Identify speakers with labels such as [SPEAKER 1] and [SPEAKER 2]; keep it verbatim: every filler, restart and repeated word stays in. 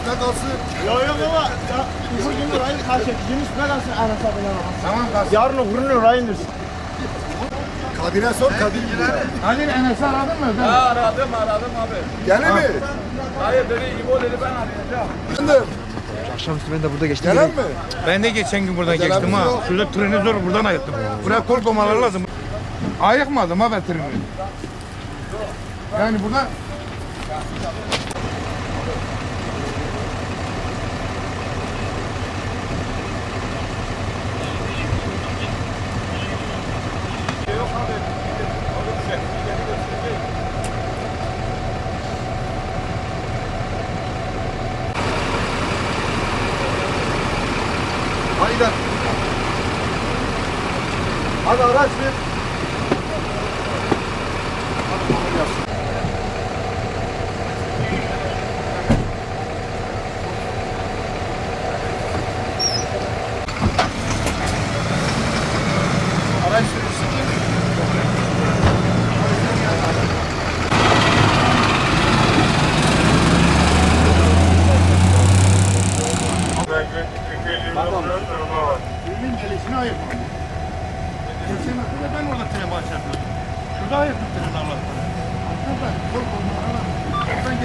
[SPEAKER 1] üstüne kalsın.
[SPEAKER 2] Yok yok baba. Ya, bugün orayı kaç et. Gün üstüne kalsın Enes abine bak.
[SPEAKER 3] Tamam kalsın.
[SPEAKER 2] Yarın öbürünü oraya indirsin.
[SPEAKER 1] Kadir'e sor, Kadir gider.
[SPEAKER 3] Kadir Enes'i aradın mı?
[SPEAKER 4] Ha, aradım aradım abi.
[SPEAKER 1] Gelir mi?
[SPEAKER 4] Hayır dedi İbo dedi ben arayacağım.
[SPEAKER 1] Efendim,
[SPEAKER 5] Akşamüstü ben de burada geçtim.
[SPEAKER 1] gelen mi?
[SPEAKER 3] Ben de geçen gün buradan
[SPEAKER 1] Gelen
[SPEAKER 3] geçtim
[SPEAKER 1] bizi
[SPEAKER 3] ha.
[SPEAKER 1] yok.
[SPEAKER 3] Şurada treni zor buradan ayıttım. Buraya kol koymaları lazım. Ayıkmadım ha ben treni. Yani burada
[SPEAKER 1] Hadi gel. Hadi araç bir. Hadi kolay gelsin. Araç sürücüsü kim?
[SPEAKER 3] trenin gelişini ayıkmadım. Geçen hafta ben orada tren başlattım. Şurada ayıktım treni Allah'tan. Arkadaşlar kol koymaları lazım. Oradan